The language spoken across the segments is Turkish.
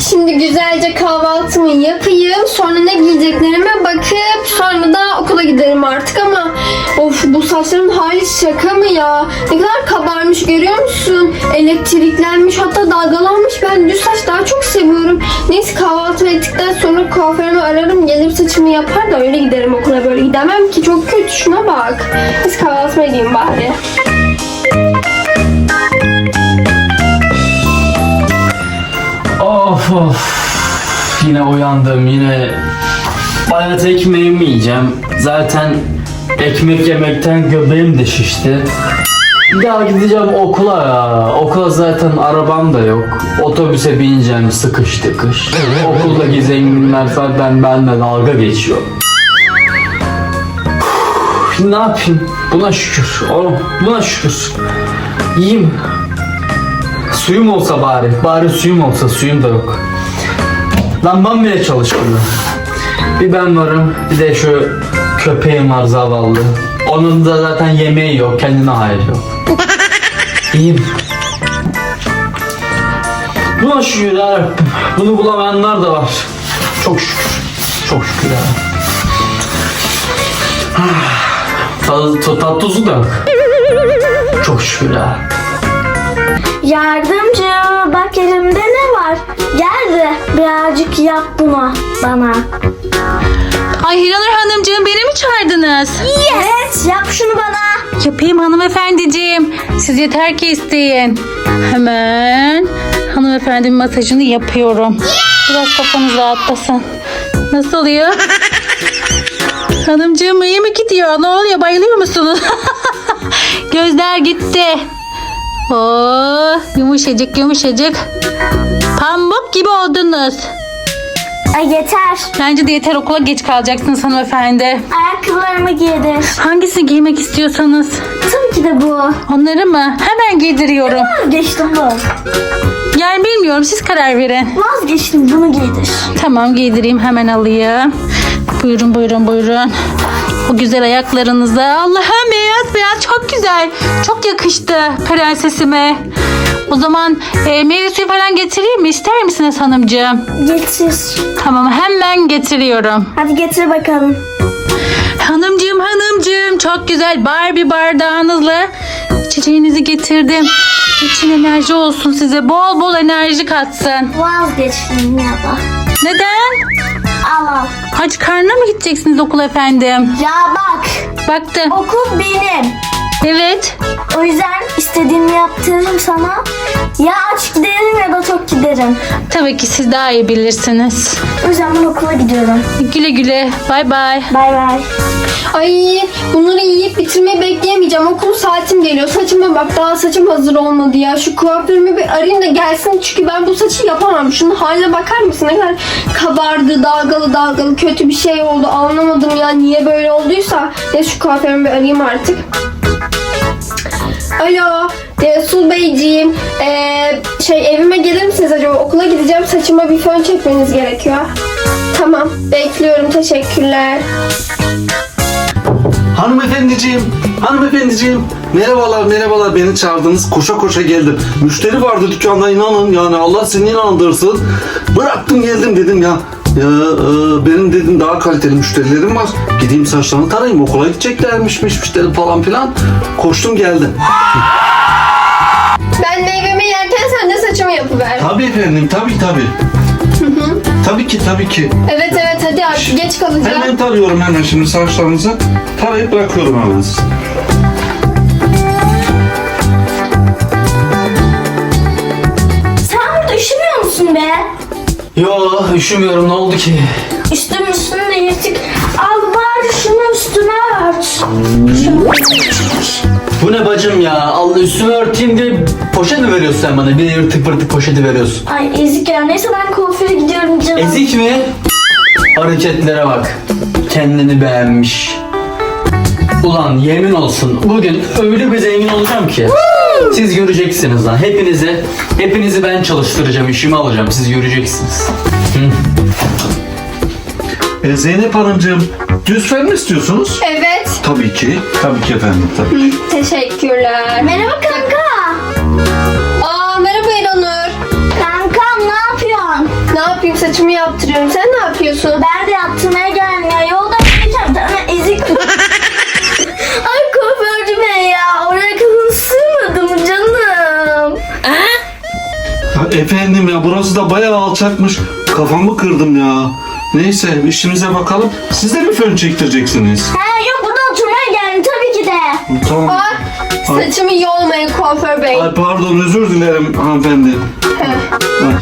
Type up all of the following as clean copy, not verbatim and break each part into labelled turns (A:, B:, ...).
A: Şimdi güzelce kahvaltımı yapayım. Sonra ne giyeceklerime bakıp sonra da okula giderim artık ama of, bu saçların hali şaka mı ya? Ne kadar kabarmış görüyor musun? Elektriklenmiş, hatta dalgalanmış. Ben düz saç daha çok seviyorum. Neyse, kahvaltı ettikten sonra kuaförümü ararım. Gelir saçımı yapar da öyle giderim okula. Böyle gidemem ki, çok kötü, şuna bak. Biz kahvaltıma gideyim bari.
B: Of of. Yine uyandım, yine bayat ekmeğimi yiyeceğim. Zaten ekmek yemekten göbeğim de şişti. Bir daha gideceğim okula ya. Okula zaten arabam da yok. Otobüse bineceğim sıkış tıkış. Okuldaki zenginler zaten benimle dalga geçiyor. Ne yapayım? Buna şükür. Oğlum buna şükür. Yiyeyim. Suyum olsa bari. Bari suyum olsa. Suyum da yok. Lambam bile çalışmıyor. Bir ben varım. Bir de şu köpeğim var zavallı. Onun da zaten yemeği yok. Kendine hayır yok. İyiyim. Buna şükür ya. Bunu bulamayanlar da var. Çok şükür. Çok şükür ya. Tat tuzu da yok. Çok şükür ya.
C: Yardımcı, bak elimde ne var? Gel de birazcık yap bunu bana.
D: Ay Hiranur Hanımcığım, beni mi çağırdınız?
C: Evet, yap şunu bana.
D: Yapayım hanımefendiciğim. Siz yeter ki isteyin. Hemen hanımefendinin masajını yapıyorum. Biraz kafanız rahatlasın. Nasıl oluyor? Hanımcığım iyi mi gidiyor? Ne oluyor? Bayılıyor musunuz? Gözler gitti. Oh, yumuşacık yumuşacık. Pamuk gibi oldunuz.
C: Ay yeter.
D: Bence de yeter, okula geç kalacaksınız hanımefendi.
C: Ayakkabılarımı giydir.
D: Hangisini giymek istiyorsanız.
C: Tabii ki de bu.
D: Onları mı? Hemen giydiriyorum.
C: Vazgeçtim bu.
D: Yani bilmiyorum, siz karar verin.
C: Vazgeçtim, bunu giydir.
D: Tamam, giydireyim, hemen alayım. Buyurun buyurun buyurun. O güzel ayaklarınıza. Allah'ım, beyaz beyaz, çok güzel. Çok yakıştı prensesime. O zaman meyve suyu falan getireyim mi? İster misiniz hanımcığım?
C: Getir.
D: Tamam, hemen getiriyorum.
C: Hadi getir bakalım.
D: Hanımcığım çok güzel Barbie bardağınızla içeceğinizi getirdim. İçin enerji olsun size. Bol bol enerji katsın.
C: Vazgeçtim ya da.
D: Neden?
C: Al al.
D: Aç karnına mı gideceksiniz okula efendim?
C: Ya bak,
D: Baktım.
C: okul benim.
D: Evet.
C: O yüzden istediğimi yaptırırım sana. Ya aç giderim ya da tok giderim.
D: Tabii ki siz daha iyi bilirsiniz.
C: O yüzden ben okula gidiyorum.
D: Güle güle. Bay bay.
C: Bay bay.
A: Ay, bunları yiyip bitirmeyi bekleyemeyeceğim. Okul saatim geliyor. Saçıma bak, daha saçım hazır olmadı ya. Şu kuaförümü bir arayayım da gelsin. Çünkü ben bu saçı yapamam. Şunun haline bakar mısın? Ne kadar kabardı, dalgalı kötü bir şey oldu. Anlamadım ya niye böyle olduysa. Neyse, şu kuaförümü bir arayayım artık. Alo, Resul Beyciğim. Evime gelir misiniz acaba? Okula gideceğim. Saçıma bir fön çekmeniz gerekiyor. Tamam, bekliyorum. Teşekkürler.
E: Hanımefendiciğim, merhabalar, beni çağırdınız, koşa koşa geldim. Müşteri vardı dükkanda, inanın yani, Allah seni inandırsın. Bıraktım geldim, dedim ya benim dedim daha kaliteli müşterilerim var. Gideyim saçlarını tarayayım, okula gideceklermiş müşteri falan filan. Koştum geldim.
A: Ben meyvemi yerken sen de saçımı yapıver.
E: Tabii efendim, tabii. Tabii ki.
A: Evet hadi artık geç kalacağım.
E: Hemen tarıyorum, hemen şimdi saçlarınızı tarayıp bırakıyorum hemen size.
C: Sen burada üşümüyor musun be?
B: Yo, üşümüyorum, ne oldu ki?
C: Üstünü de yırtık. Al bari şunu üstüne ört.
B: Bu ne bacım ya? Allah, üstümü örteyim diye poşet mi veriyorsun sen bana? Bir de yırtık pırtık poşeti veriyorsun.
C: Ay ezik ya. Neyse ben kuaföre gidiyorum canım.
B: Ezik mi? Hareketlere bak. Kendini beğenmiş. Ulan yemin olsun bugün öyle bir zengin olacağım ki. Siz göreceksiniz lan. Hepinizi ben çalıştıracağım, işimi alacağım. Siz göreceksiniz.
E: Zeynep Hanımcığım, düz fön mü istiyorsunuz?
A: Evet.
E: Tabii ki efendim, tabii.
A: Teşekkürler.
C: Merhaba kanka.
A: Aa, merhaba İranur.
C: Kankam ne yapıyorsun?
A: Ne yapayım, saçımı yaptırıyorum. Sen ne yapıyorsun?
C: Ben de yaptırmaya geldim ya. Yolda gelirken tane ezik. Ay kuaförcü bey ya. Oraya kadar sığmadım canım.
E: Ya efendim ya burası da bayağı alçakmış. Kafamı kırdım ya. Neyse işimize bakalım. Siz de mi fön çektireceksiniz?
C: He yok burada oturmaya geldim tabii ki de.
E: Tamam.
A: Bak, saçımı yolmayın kuaför bey.
E: Ay pardon özür dilerim hanımefendi. Ay.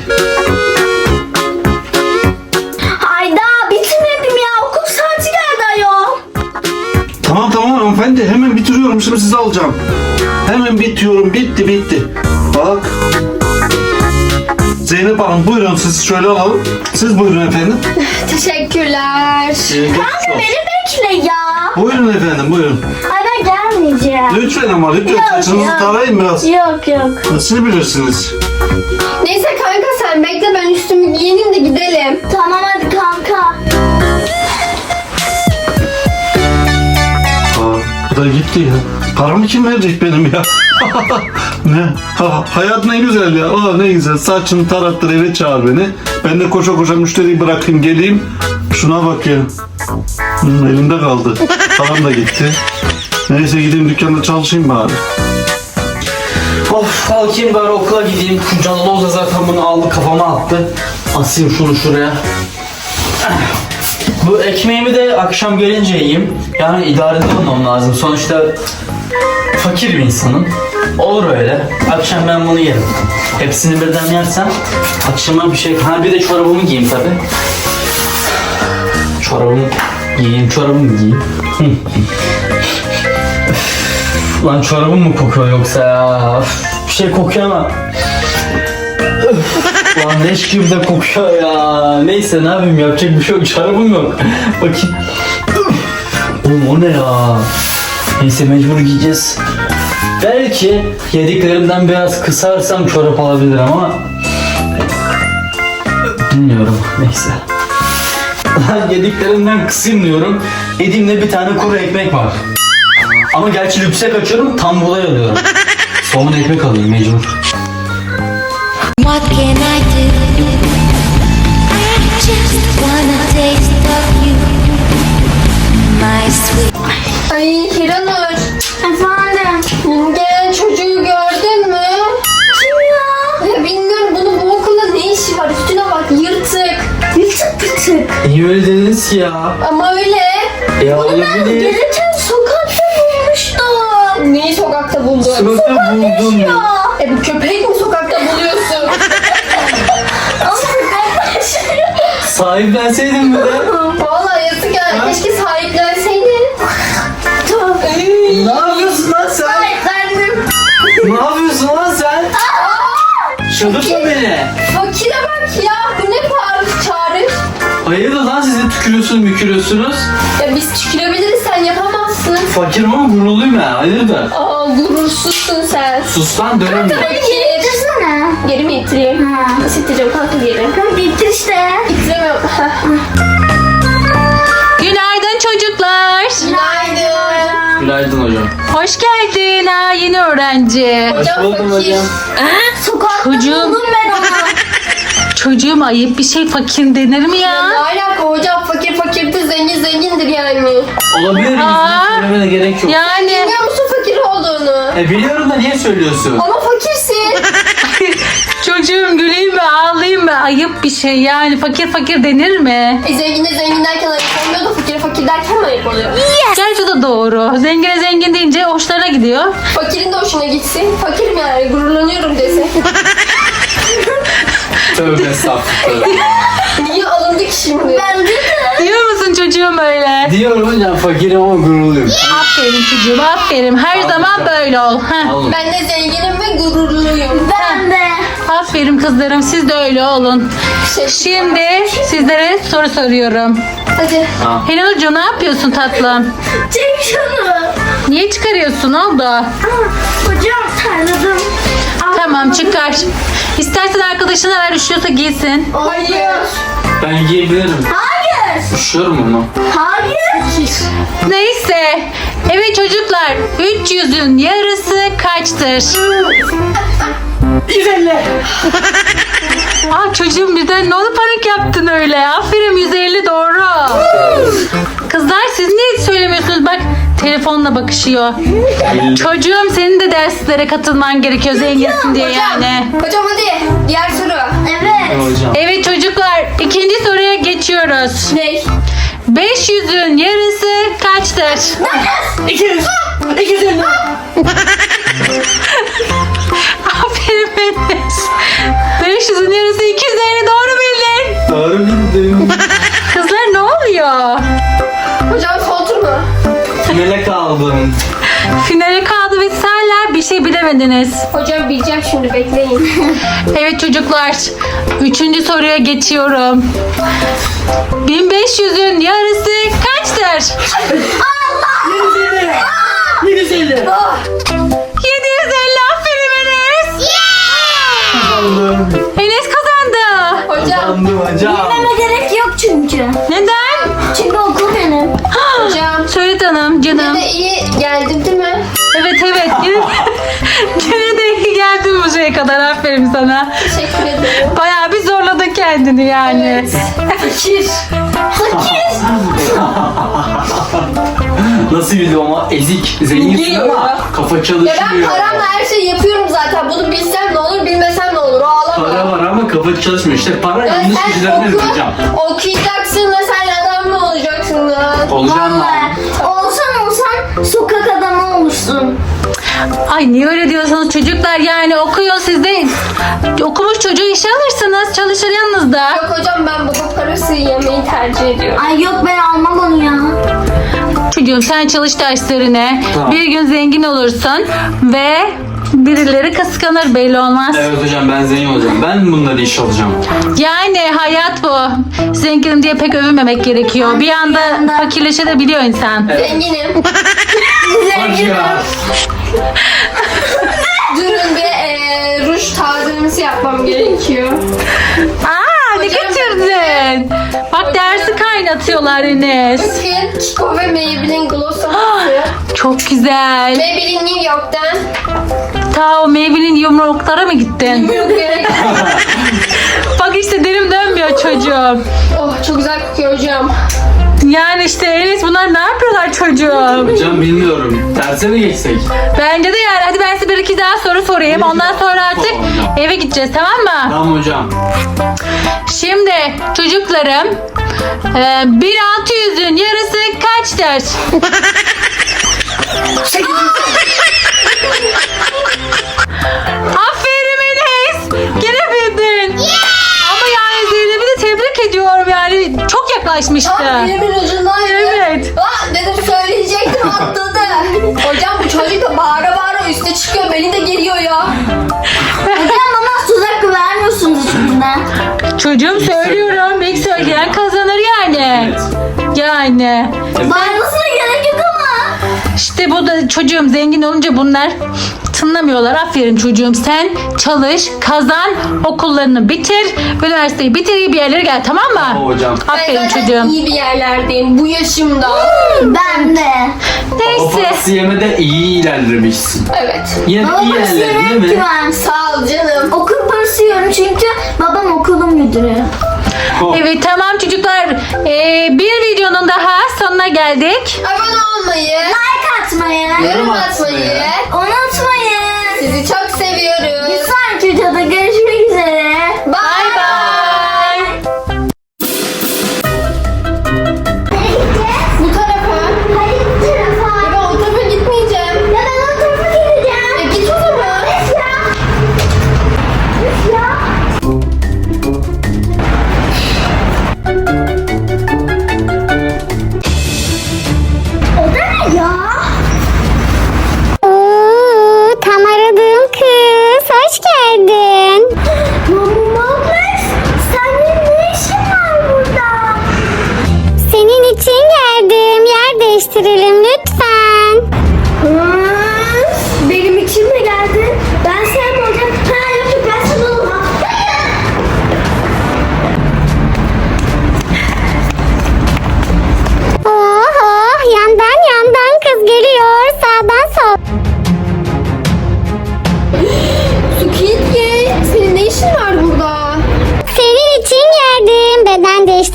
C: Ay daha bitirmedim ya. Okul saati geldi ayol.
E: Tamam hanımefendi hemen bitiriyorum şimdi sizi alacağım. Hemen bitiyorum bitti. Bak. Zeynep Hanım buyurun siz şöyle alalım. Siz buyurun efendim.
A: Teşekkürler.
C: Kanka beni bekle ya.
E: Buyurun efendim buyurun.
C: Ay ben gelmeyeceğim.
E: Lütfen ama lütfen
C: Yok
E: saçınızı
C: ya.
E: tarayın biraz.
C: Yok.
E: Siz bilirsiniz.
A: Neyse kanka sen bekle, ben üstümü giyineyim de gidelim.
C: Tamam hadi kanka.
E: Aa, bu da gitti ya. Paramı kim verecek benim ya? Ne? Hayat ne güzel ya. Aa, ne güzel. Saçını tarattır eve çağır beni. Ben de koşa koşa müşteriyi bırakayım geleyim. Şuna bak ya. Elimde kaldı. Param da gitti. Neyse gideyim dükkanda çalışayım bari.
B: Of kalkayım bari okula gideyim. Şu Canaloz da zaten bunu aldı kafama attı. Asayım şunu şuraya. Bu ekmeğimi de akşam gelince yiyeyim. Yani idare edemem lazım. Sonuçta fakir bir insanım. Olur öyle. Akşam ben bunu yerim. Hepsini birden yersem akşama bir şey... Ha bir de çorabımı giyeyim tabi. Çorabımı giyeyim. Lan çorabım mı kokuyor yoksa ya? Üf, bir şey kokuyor ama. Üf, lan leş gibi de kokuyor ya. Neyse ne yapayım, yapacak bir şey yok. Çorabım yok. Bakayım. Üf. Oğlum o ne ya? Neyse mecbur giyeceğiz. Belki yediklerimden biraz kısarsam çorap alabilirim ama bilmiyorum. Neyse. Yediklerimden kısayım diyorum. Yediğimde bir tane kuru ekmek var. Ama gerçi yüksek açıyorum, tam bulay alıyorum. Somun ekmek alayım mecbur.
F: What can I do? I just wanna taste of you, my sweet.
A: Ay Hiranur,
C: Efendim.
A: gelen çocuğu gördün mü?
C: Kim ya?
A: Ya bilmiyorum, bunun bu okulda ne işi var? Üstüne bak, yırtık.
C: Yırtık pıtık.
B: Niye öyle dediniz ki ya?
A: Ama öyle.
B: Ya
C: Ben
B: olabilir.
C: gelirken sokakta bulmuştum.
A: Neyi sokakta buldun?
B: Sokakta buldum.
C: Ya.
A: Bu köpek mi sokakta buluyorsun?
C: Ama ben
B: Sahiplenseydin mi de?
A: Vallahi yazık ya. Keşke sahiplenseydin.
B: Ne yapıyorsun lan sen?
C: Sahiplendim.
B: Ne yapıyorsun lan sen? Çıldırtma beni.
A: Fakire bak ya. Bu ne bağırış çağırış?
B: Hayırdır lan, siz de tükürüyorsunuz mükürüyorsunuz.
A: Ya biz tükürebiliriz, sen yapamazsın.
B: Fakirim ama gururluyum ya, hayırdır?
A: Aa, gurursuzsun sen.
B: Sus lan, dönem.
A: Fakir.
C: Getirsene.
A: Geri mi itireyim?
C: Ha.
A: Nasıl itireceğim kanka geri?
C: Kanka getir işte.
A: İtiremiyorum.
D: Günaydın çocuklar.
A: Günaydın.
B: Günaydın hocam.
D: Hoş geldin ha yeni öğrenci.
B: Hoş
A: Hocam
B: buldum
A: fakir.
B: hocam.
C: Sokakta
D: Çocuğum.
C: buldum ben onu.
D: Çocuğum ayıp bir şey, fakir denir mi
A: Ne
D: ya?
A: alaka hocam, fakir fakirdir, zengin zengindir yani.
B: Olabilir mi?
D: Aa.
B: Söylemene gerek yok.
D: Yani
A: Biliyor musun fakir olduğunu?
B: Biliyorum da niye söylüyorsun?
A: Ama fakirsin.
D: çocuğum güleyim mi ağlayayım mı, ayıp bir şey yani, fakir denir mi?
A: Zengine zengin derken ayıp olmuyor da fakire fakir derken mi ayıp oluyor?
D: Gerçi o da doğru. Zengine zengin deyince hoşlarına gidiyor.
A: Fakirin de hoşuna gitsin. Fakirim yani, gururlanıyorum desin.
B: Tövbe estağfurullah.
A: Niye alındı ki şimdi?
C: Ben de.
D: Diyor musun çocuğum öyle?
B: Diyorum hocam, fakirim ama gururluyum.
D: Aferin çocuğum, aferin. Her zaman böyle ol. Heh.
B: Oğlum.
A: Ben de zenginim ve gururluyum.
C: Ben de.
D: Aferin kızlarım, siz de öyle olun. Şimdi sizlere soru soruyorum.
A: Hadi.
D: Helenurcuğum ne yapıyorsun tatlım?
C: Çek şunu.
D: Niye çıkarıyorsun, oldu?
C: Hocam terledim.
D: Tamam çıkar. İstersen arkadaşına ver, üşüyorsa giysin.
A: Hayır.
B: Ben giyebilirim.
C: Hayır.
B: Üşüyorum ama.
C: Hayır.
D: Neyse. Evet çocuklar, 300'ün yarısı kaçtır?
B: 150.
D: Ah çocuğum birden ne oldu panik yaptın öyle? Aferin 150 doğru. Kızlar siz niye söylemiyorsunuz? Bak telefonla bakışıyor. Çocuğum senin de derslere katılman gerekiyor zenginsin diye yani.
A: Hocam hadi diğer soru.
C: Evet.
B: Hocam.
D: Evet çocuklar ikinci soruya geçiyoruz.
A: Ne?
D: 500'ün yarısı kaçtır?
B: 200. 250.
D: Aferin Enes. 500'ün yarısı 250 doğru bildin.
B: Doğru bildim.
D: Kızlar ne oluyor?
A: Hocam son tur mu?
B: Finale kaldım.
D: Finale kaldı ve hala bir şey bilemediniz.
A: Hocam bileceğim şimdi bekleyin.
D: Evet çocuklar. 3. soruya geçiyorum. 1500'ün yarısı kaçtır?
B: 750.
D: 750 aferin Enes.
B: Kazandım.
D: Enes kazandı.
A: Hocam.
B: Kazandım hocam.
C: Bilmeme gerek yok çünkü.
D: Neden?
C: Çünkü okul benim.
A: Hocam.
D: Söyle canım.
A: Yine de iyi geldim değil mi?
D: Evet. Gene de iyi geldin bu şeye kadar. Aferin sana.
A: Teşekkür ederim.
D: Bayağı bir zorladın kendini yani.
A: Fakir.
B: Nasıl bildim ama ezik. Zenginsin
A: Biliyorum
B: ama
A: ya.
B: kafa
A: Ya
B: çalışmıyor.
A: ben paramla her şeyi yapıyorum zaten. Bunu bilsem ne olur bilmesem ne olur. Ağlama.
B: Para var ama kafa çalışmıyor. İşte para
A: Ya
B: yanlış
A: sen
B: kişilerden hocam.
A: okuyacaksın da sen adam mı olacaksın lan?
B: Olacağım lan.
C: Vallahi olsan sokak adamı olursun.
D: Ay niye öyle diyorsunuz çocuklar yani okuyun siz de okumuş çocuğu işe alırsınız çalışır yanınızda.
A: Yok hocam ben baba parası yemeyi tercih ediyorum.
C: Ay yok ben almam onu ya.
D: Çocuğum sen çalış derslerine
B: Tamam.
D: bir gün zengin olursun ve birileri kıskanır belli olmaz.
B: Evet hocam ben zengin olacağım. Ben bunları iş alacağım.
D: Yani hayat bu. Zenginim diye pek övünmemek gerekiyor. Bir anda fakirleşebiliyor insan.
A: Zenginim.
B: Hadi ya.
A: Durun bir ruj tazelemesi yapmam gerekiyor.
D: Aa ne
A: Hocam,
D: getirdin? Bak dersi kaynatıyorlar Enes.
A: Bakın Kiko ve Maybelline Gloss Aması.
D: Çok güzel.
A: Maybelline New York'tan.
D: Ta o Maybelline yumruklara mı gittin?
A: Yok gerek.
D: Bak işte dilim dönmüyor çocuğum.
A: Oh çok güzel kokuyor hocam.
D: Yani işte Enes bunlar ne yapıyorlar çocuğum?
B: Hocam bilmiyorum. Derse mi geçsek?
D: Bence de yani hadi ben size bir iki daha soru sorayım. Ondan sonra artık
B: Tamam hocam.
D: eve gideceğiz tamam mı?
B: Tamam hocam.
D: Şimdi çocuklarım 1600'ün yarısı kaçtır? Aferin Enes. Gene bildin. Ama yani Zeynep'i de tebrik ediyorum yani. Çok yaklaşmıştı.
A: Elimin ucundan yürüyor.
D: Evet.
A: Dedim söyleyecektim atladı. Hocam bu çocuk da bağıra bağıra üste çıkıyor. Beni de geliyor ya.
C: Hocam bana tuzak vermiyorsunuz hiçbirinden.
D: Çocuğum söylüyorum. İlk söyleyen kazanır yani.
B: Evet.
D: Yani.
C: Bağırmasına gerek yok ama.
D: İşte bu da çocuğum zengin olunca bunlar tınlamıyorlar. Aferin çocuğum sen çalış, kazan, okullarını bitir, üniversiteyi bitir, iyi bir yerlere gel tamam mı?
B: Tamam hocam.
A: Ben
D: Aferin
A: zaten
D: çocuğum.
A: iyi bir yerlerdeyim bu yaşımda.
C: Ben de.
B: O
D: Neyse.
B: parası yemede iyi ilerlemişsin.
A: Evet.
B: Yine
C: Baba
B: iyi
C: parası
B: ilerledin
C: yiyorum
B: değil
C: ki
B: mi?
C: ben.
A: Sağ ol canım.
C: Okul parası yiyorum çünkü babam okulun müdürü.
D: Evet tamam çocuklar. Bir videonun daha sonuna geldik.
A: Abone olmayı,
C: Like atmayı
A: yorum atmayı.
C: unutmayın.
A: Sizi çok seviyoruz.
C: Bir sonraki videoda görüşmek üzere.
A: Bye bye. Bu tarafa.
C: Hayır bu tarafa.
A: Ya ben o tarafa gitmeyeceğim.
C: Ya ben o tarafa gideceğim.
A: Git o zaman.
C: Üf ya. Üf ya. O da ne ya?
G: Oo, tam aradığım kız. Hoş geldin.
C: Mamuş, senin ne işin var burada?
G: Senin için geldim. Yer değiştirelim lütfen.
C: Benim için mi geldin? Ben sen olacağım. Ha yok ben sana olmam.
G: Oh, yandan kız geliyor. Sağdan sol.
A: Squid Game. Senin ne işin var burada?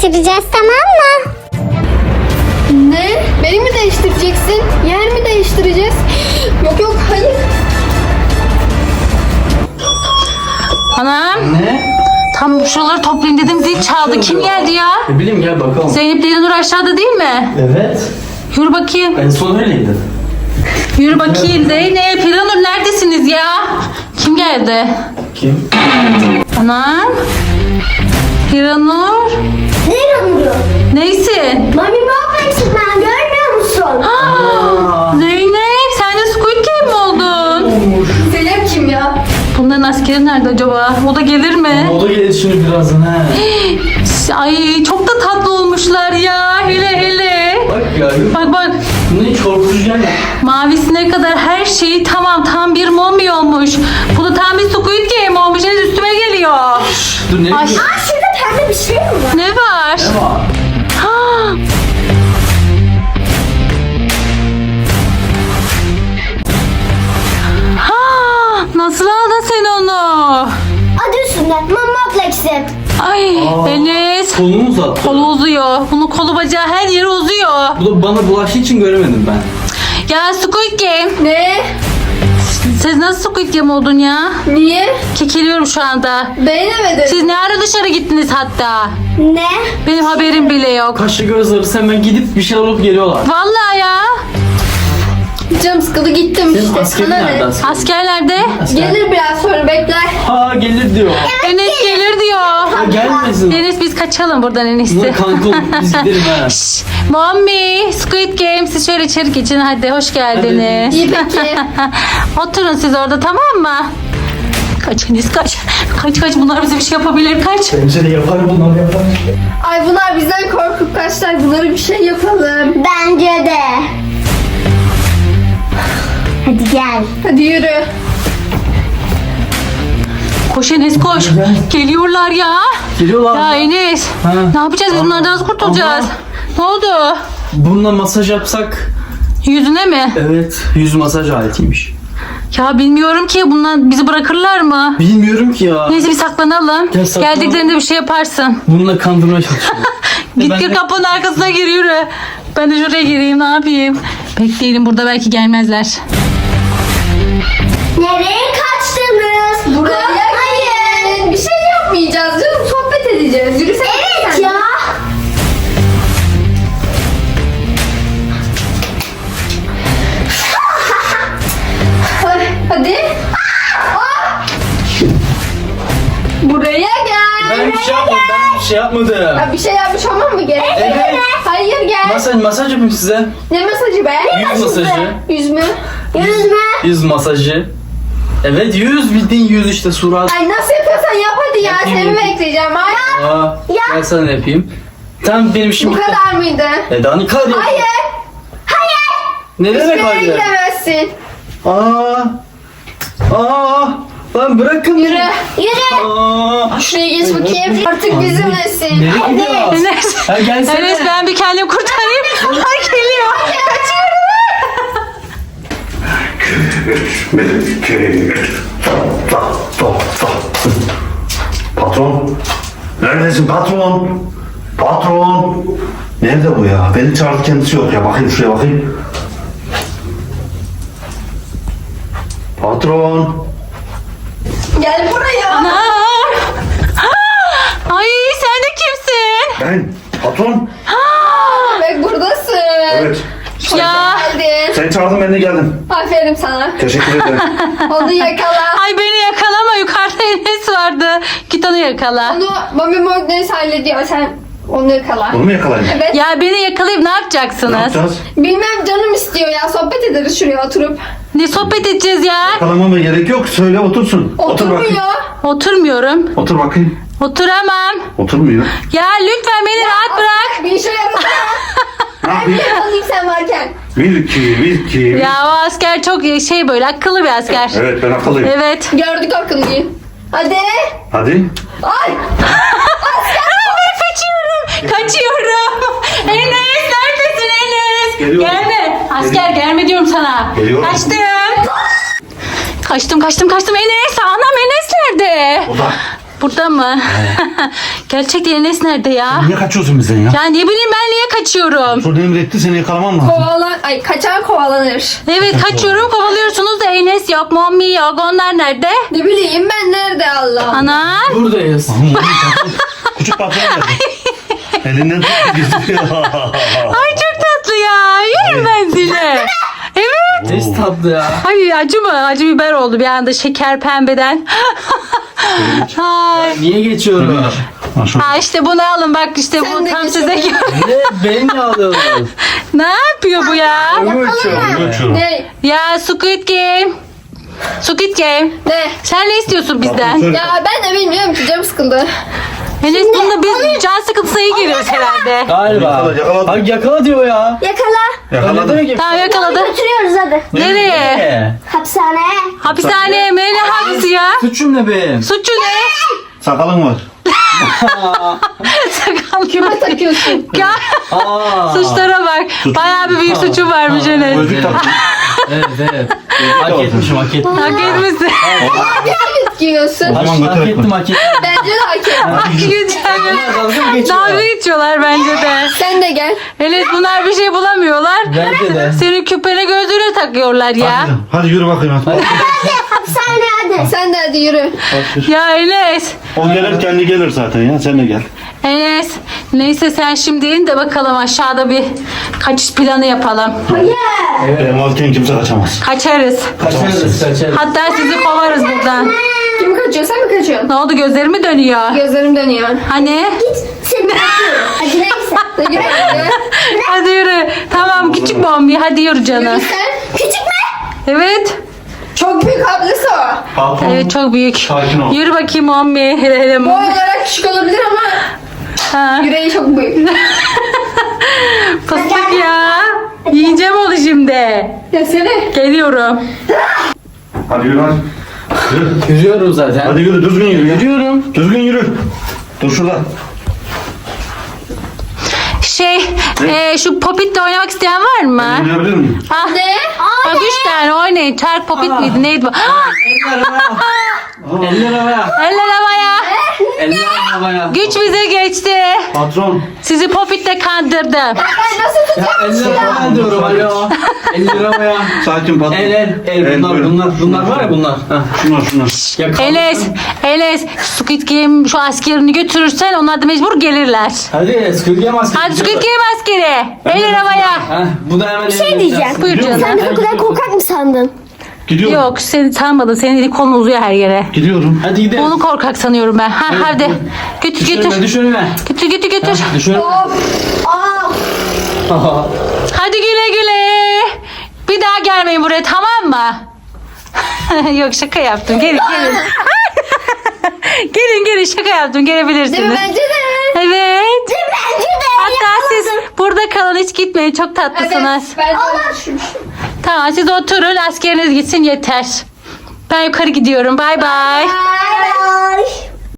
G: değiştireceğiz, tamam mı?
A: Ne? Beni mi değiştireceksin? Yer mi değiştireceğiz? Yok yok hayır.
D: Anam
B: Ne?
D: tam şuraları toplayayım dedim zil çaldı. Kim geldi ya?
B: Ne bileyim gel bakalım.
D: Zeynep ile Nur aşağıda değil mi?
B: Evet.
D: Yürü bakayım.
B: En son öyleydi.
D: Yürü bakayım Zeynep, İranur neredesiniz ya? Kim geldi?
B: Kim?
D: Anam. İranur.
C: Ne yanıyor?
D: Neysin?
C: Mami Baba'ksın ben görmüyor musun?
D: Zeynep sen de Squid Game mi oldun?
A: Zeynep kim ya?
D: Bunların askeri nerede acaba? O da gelir mi?
B: O da gelir şimdi birazdan he.
D: Ay çok da tatlı olmuşlar ya. Hele hele.
B: Bak ya.
D: Bak bak.
B: Bunun hiç korkutucu gelmiyor.
D: Mavisine kadar her şeyi tamam. Tam bir mommy olmuş. Bu da tam bir Squid Game olmuş. Henüz üstüme geliyor.
B: Dur ne
D: Ay.
B: diyorsun?
C: Aa şurada pembe bir şey mi var?
D: Ne var?
B: Ne var?
D: Ha. Ha, nasıl aldın sen onu?
C: Adı üstünde Mama Plex'im.
D: Ay Enes.
B: Kolunu mu uzattı?
D: Kolu uzuyor. Bunun kolu bacağı her yeri uzuyor.
B: Bu da bana bulaştığı için göremedim ben.
D: Ya Squid Game.
A: Ne?
D: Siz nasıl Squid Game oldun ya?
A: Niye?
D: Kekeliyorum şu anda.
A: Beğenemedin.
D: Siz ne ara dışarı gittiniz hatta?
C: Ne?
D: Benim haberim bile yok.
B: Kaşlı göz arası hemen gidip bir şey alıp geliyorlar.
D: Vallahi ya.
A: Canım sıkıldı gittim
B: Senin
A: işte.
B: askerin
A: Sana
B: nerede
A: ne?
B: asker?
D: Askerlerde
A: Gelir biraz sonra bekler.
B: Ha gelir diyor.
D: Enes gelir diyor.
B: Ha, gelmesin.
D: Enes biz kaçalım buradan en
B: Buna
D: iyisi.
B: kanka olup biz gidelim ha.
D: Şşş, Mommy, Squid Game siz şöyle içeri geçin hadi hoş geldiniz.
A: İyi peki.
D: Oturun siz orada tamam mı? Kaç Enes kaç. Kaç kaç bunlar bize bir şey yapabilir kaç.
B: Bence de yapar bunlar yapar.
A: Ay bunlar bizden korkup kaçlar. Bunlara bir şey yapalım.
C: Bence de. Hadi gel.
A: Hadi yürü.
D: Koş Enes koş. Geliyorlar ya.
B: Geliyorlar.
D: Ya Enes.
B: Ha.
D: Ne yapacağız biz bunlardan nasıl kurtulacağız? Ne oldu?
B: Bununla masaj yapsak.
D: Yüzüne mi?
B: Evet. Yüz masaj aletiymiş.
D: Ya bilmiyorum ki bunlar bizi bırakırlar mı?
B: Bilmiyorum ki ya.
D: Neyse bir saklanalım.
B: Gel saklanalım.
D: Geldiklerinde bir şey yaparsın.
B: Bununla kandırmaya çalışıyorum.
D: Git
B: Ben
D: gir
B: de-
D: kapının arkasına gir yürü. Ben de şuraya gireyim ne yapayım. Bekleyelim burada belki gelmezler.
C: Nereye kaçtınız?
A: Buraya gelin. Bir şey yapmayacağız canım. Sohbet edeceğiz. Yürüsene.
C: Evet
A: sen.
C: ya.
A: Hadi. Buraya gel.
B: Ben bir şey yapmadım. Ben bir şey yapmadım.
A: Ya bir şey yapmış olmam mı gerek?
B: Evet.
A: Hayır gel.
B: Masaj yapayım size.
A: Ne masajı be?
B: Yüz masajı.
A: Yüz mü?
C: Yüzme.
B: Yüz masajı. Evet yüz bildiğin yüz işte surat.
A: Ay nasıl yapıyorsan yap hadi ya.
B: Yapayım,
A: Seni
B: yapayım.
A: bekleyeceğim. Ay.
B: Aa, ben sana yapayım. Tamam benim işim
A: Bu
B: bitti.
A: kadar mıydı?
B: Daha ne kadar?
A: Hayır.
B: Ne demek
A: Hiçbir yere
B: hayır?
A: gidemezsin.
B: Aa, lan bırakın.
A: Yürü.
C: Yürü.
B: Aa,
A: Şuraya geç bakayım. Artık bizimlesin.
B: nereye gidiyorsun?
D: Enes.
B: Ha gelsene.
D: Enes ben bir kendim kurtarayım. Ay geliyor.
E: Patron. Neredesin patron? Patron. Nerede bu ya? Beni çağırdı kendisi yok ya. Bakayım şuraya bakayım. Patron.
A: Gel buraya.
D: Aa. Ay sen de kimsin?
E: Ben. Patron.
A: Bak buradasın.
E: Evet.
D: Ya.
A: Geldin.
E: Sen çağırdın ben de geldim.
A: Aferin sana.
E: Teşekkür ederim.
A: Onu yakala.
D: Ay beni yakalama yukarıda Enes vardı. Git onu yakala.
A: Onu Mami Morgnes hallediyor. Sen onu yakala.
E: Bunu mu yakalayayım?
A: Evet.
D: Ya beni yakalayıp ne
E: Ne
D: yapacaksınız?
E: yapacağız?
A: Bilmem canım istiyor ya. Sohbet ederiz şuraya oturup.
D: Ne sohbet edeceğiz ya?
E: Yakalamama gerek yok. Söyle otursun. Otur bakayım.
A: Oturmuyor.
D: Oturmuyorum.
E: Otur bakayım.
D: Oturamam.
E: Oturmuyor.
D: Ya lütfen beni rahat bırak.
A: Bir işe yarasana.
E: Ne
A: Ben
E: yapayım?
A: yakalayayım sen varken.
E: Wilki.
D: Ya o asker çok şey böyle akıllı bir asker.
E: Evet ben akıllıyım.
D: Evet.
A: Gördük akıllıyı. Hadi.
E: Hadi.
A: Ay.
D: Kaçıyorum. Enes neredesin Enes?
E: Geliyorum.
D: Gelme. Asker gelme diyorum sana.
E: Geliyorum.
D: Kaçtım. Kaçtım Enes. Anam Enes nerede?
E: O da.
D: Burada mı? Gerçekten Enes nerede ya?
E: Niye kaçıyorsun bizden ya?
D: Ya ne bileyim ben niye kaçıyorum?
E: Şurada emretti seni yakalamam lazım.
A: Kaçan kovalanır.
D: Evet kaçıyorum kovalıyorsunuz da Enes yok, Mommy yok. Onlar nerede?
A: Ne bileyim ben nerede Allah.
D: Ana.
B: Buradayız.
E: Küçük patron geldi. Elinden tuttu gidiyor.
D: Ay çok tatlı ya. Yerim ben seni. Evet.
B: Ne tatlı ya.
D: Ay acı mı? Acı biber oldu bir anda şeker pembeden. Ay.
B: Niye geçiyorum?
D: Ha işte bunu alın bak işte
A: Sen
D: bu
A: de
D: tam
A: geç
D: size
A: bakayım.
B: Ne? Beni ne alıyorsun?
D: Ne yapıyor bu ya?
E: Geçiyorum.
A: Ne?
D: Ya Squid Game. Squid Game.
A: Ne?
D: Sen ne istiyorsun bizden?
A: Ya ben de bilmiyorum ki canım sıkıldı.
D: Enes bunda biz can sıkıntısına iyi giriyoruz herhalde.
B: Galiba.
E: Yakala.
B: Bak yakala diyor ya.
C: Yakala.
B: Ne demek ya?
D: Tamam yakaladı.
C: Götürüyoruz hadi.
D: Nereye?
B: Ne?
C: Hapishaneye.
D: Hapishaneye mi? Ne hapisi ya?
B: Suçum ne benim?
D: Suçu ne?
E: Sakalın var.
D: Sakal.
A: Kime takıyorsun?
D: Ya
B: Aa.
D: suçlara bak. Bayağı bir büyük suçu varmış Enes.
E: Gözlük taktın.
B: Evet. Hak etmişim hak ettim.
D: Hak etmişsin.
A: Giyiyorsun.
E: O zaman
B: Hak
E: götürek
B: ettim
E: mi?
B: hak ettim.
A: Bence de hak et.
D: Hak geçiyor.
B: Dalga mı geçiyor?
D: Dalga geçiyorlar bence de.
A: Sen de gel.
D: Enes bunlar bir şey bulamıyorlar.
B: Bence de.
D: Senin küpene gözlüğüne takıyorlar ya.
E: Hadi yürü bakayım. Hadi.
C: Hapishaneye hadi.
A: Sen de hadi yürü.
D: Ya Enes.
E: O gelir kendi gelir zaten ya. Sen de gel.
D: Enes. Neyse sen şimdi in de bakalım aşağıda bir kaçış planı yapalım.
E: Benim varken kimse kaçamaz.
D: Kaçarız.
B: Kaçarız kaçarız.
D: Hatta sizi kovarız buradan.
A: Kim kaçıyor? Sen mi kaçıyorsun?
D: Ne oldu gözlerimi dönüyor?
A: Gözlerim dönüyor.
D: Hani?
C: Seni bekliyorum. Hadi neyse.
A: Hadi yürü.
D: Hadi yürü. Tamam küçük bombi hadi yürü canım.
A: Sen
C: Küçük mü?
D: Evet.
A: çok büyük ablası o.
E: Patron.
D: Evet çok büyük.
E: Sakin ol.
D: Yürü bakayım bombi. Hele hele.
A: Boy olarak küçük olabilir ama
D: Ha.
A: yüreği çok büyük.
D: Fıstık ya. Yiyeceğim onu şimdi.
A: Ya seni.
D: Geliyorum.
E: Hadi yürü hadi. Yürü.
B: Yürüyorum zaten.
E: Hadi yürü düzgün yürü. ya.
B: Yürüyorum.
E: Düzgün yürü. Dur şurada.
D: Şu Popit'le oynamak isteyen var mı?
E: Oynayabilir miyim?
D: Ah.
A: Ne?
D: Bak 3 tane oynayın. Çark Popit miydi neydi bu? Ah!
B: Eller havaya.
D: Eller havaya.
B: Eller havaya.
D: Güç bize geçti.
E: Patron.
D: Sizi Popit'le kandırdım.
A: Ben nasıl
B: Ya
A: tutacağım?
B: eller havaya diyorum alo. Eller havaya.
E: Sakin patron.
B: El
E: böyle.
B: bunlar var ya bunlar. Heh.
E: Şunlar.
B: Ya
D: Enes Squid Game şu askerini götürürsen onlar da mecbur gelirler.
B: Hadi Squid Game askeri.
D: Hadi Squid Game askeri. Eller havaya.
B: Heh, bu da hemen
C: şey diyeceğim.
D: Buyur
E: Gidiyor
D: canım.
C: Sen de o kadar korkak mı sandın?
E: Gidiyorum.
D: Yok seni tanımadım. Senin eli kolun uzuyor her yere.
E: Gidiyorum.
B: Hadi gidelim.
D: Onu korkak sanıyorum ben. Ha, hadi. Götür götür.
B: Düş önüme.
D: Götür götür götür.
B: Düş önüme.
D: Hadi güle güle. Bir daha gelmeyin buraya tamam mı? Yok şaka yaptım. Gelin gelin. gelin şaka yaptım. Gelebilirsiniz.
A: Değil mi? Bence de.
D: Evet.
C: Bence de.
D: Hatta siz burada kalın hiç gitmeyin. Çok tatlısınız.
A: Evet. Ben de düşünmüşüm.
D: Tamam siz oturun askeriniz gitsin yeter. Ben yukarı gidiyorum. Bay bay.
C: Bye bye.